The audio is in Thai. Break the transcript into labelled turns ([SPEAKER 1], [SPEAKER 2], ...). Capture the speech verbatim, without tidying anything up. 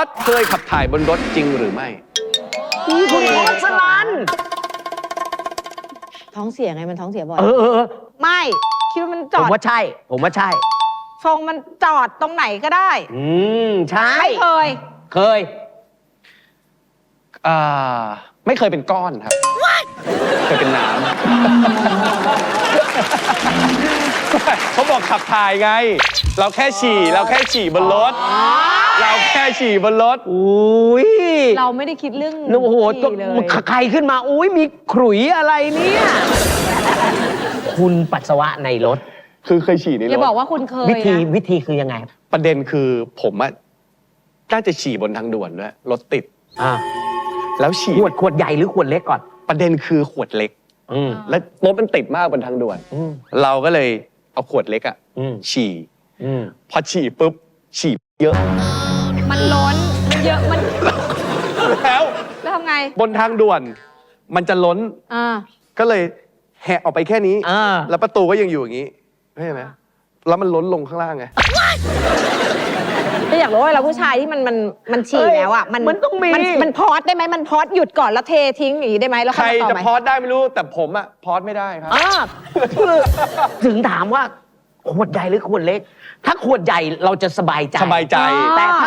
[SPEAKER 1] สเคยขับถ่ายบนรถจริงหรือไม่
[SPEAKER 2] คุณพอสลัน
[SPEAKER 3] ท้องเสียไงมันท้องเสียบ่อย
[SPEAKER 2] เออเออเออ
[SPEAKER 4] ไม่คิดว่ามันจ
[SPEAKER 2] ผ
[SPEAKER 4] อ
[SPEAKER 2] ม
[SPEAKER 4] ด
[SPEAKER 2] ว่าใช่ ผมว่าใช่
[SPEAKER 4] ทรงมันจอดตรงไหนก็ได้
[SPEAKER 2] อืม ใช่
[SPEAKER 4] ไม่เคย
[SPEAKER 2] เคย
[SPEAKER 1] อ่า ไม่เคยเป็นก้อนครับ เคยเป็นน้ำ เขาบอกขับถ่ายไง เราแค่ฉี่ เราแค่ฉี่บนรถ เราแค่ฉี่บนรถ
[SPEAKER 2] อุ้ย
[SPEAKER 4] เราไม่ได้คิดเรื่อง
[SPEAKER 2] โอ้โห
[SPEAKER 4] ฉี่เลย
[SPEAKER 2] ใครขึ้นมา อุ้ยมีขรุยอะไรเนี่ย คุณปัสสาวะในรถ
[SPEAKER 1] คือเคยฉี่ในร
[SPEAKER 4] อย่าบอ
[SPEAKER 1] ถ
[SPEAKER 4] กว่าคุณเคย
[SPEAKER 2] วิธี
[SPEAKER 4] นะ
[SPEAKER 2] วิธีคือยังไง
[SPEAKER 1] ประเด็นคือผมอะน่าจะฉี่บนทางด่วนด้วยรถติด
[SPEAKER 2] อ่า
[SPEAKER 1] แล้วฉี่
[SPEAKER 2] ขวดขวดใหญ่หรือขวดเล็กก่อน
[SPEAKER 1] ประเด็นคือขวดเล็ก
[SPEAKER 2] อืม
[SPEAKER 1] แล้วรถมันติดมากบนทางด่วน
[SPEAKER 2] อืม
[SPEAKER 1] เราก็เลยเอาขวดเล็กอะ
[SPEAKER 2] อืม
[SPEAKER 1] ฉี่
[SPEAKER 2] อืม
[SPEAKER 1] พอฉี่ปุ๊บ ฉี่เยอะ
[SPEAKER 4] มันล้นมันเยอะมัน
[SPEAKER 1] แล้ว
[SPEAKER 4] แล้วทำไง
[SPEAKER 1] บนทางด่วน มันจะล้น
[SPEAKER 4] อ่า
[SPEAKER 1] ก็เลยแหะออกไปแค่นี้
[SPEAKER 2] อ่า
[SPEAKER 1] แล้วประตูก็ยังอยู่อย่างนี้เข้าใจไหมแล้วมันล้นลงข้างล่างไง
[SPEAKER 4] ก็อยากรู้ว่าเราผู้ชายที่มันมันมันฉี่
[SPEAKER 2] เอ้ย
[SPEAKER 4] แล้วอ่ะ
[SPEAKER 2] มันต้องมี
[SPEAKER 4] นมันพอดได้ไหมมันพอดหยุดก่อนแล้วเททิ้งอย่างนี้ได้ไหมแล้ว
[SPEAKER 1] ใคร
[SPEAKER 4] ค่อยมาต่อ
[SPEAKER 1] จะ
[SPEAKER 4] ไหม
[SPEAKER 1] พอดได้ไม่รู้ แต่ผมอะพอดไม่ได้ครับ
[SPEAKER 2] อ่าคือถึงถามว่า ขวดใหญ่หรือขวดเล็ก ถ้าขวดใหญ่เราจะสบายใจ
[SPEAKER 1] สบายใจ
[SPEAKER 2] แต่ถ้า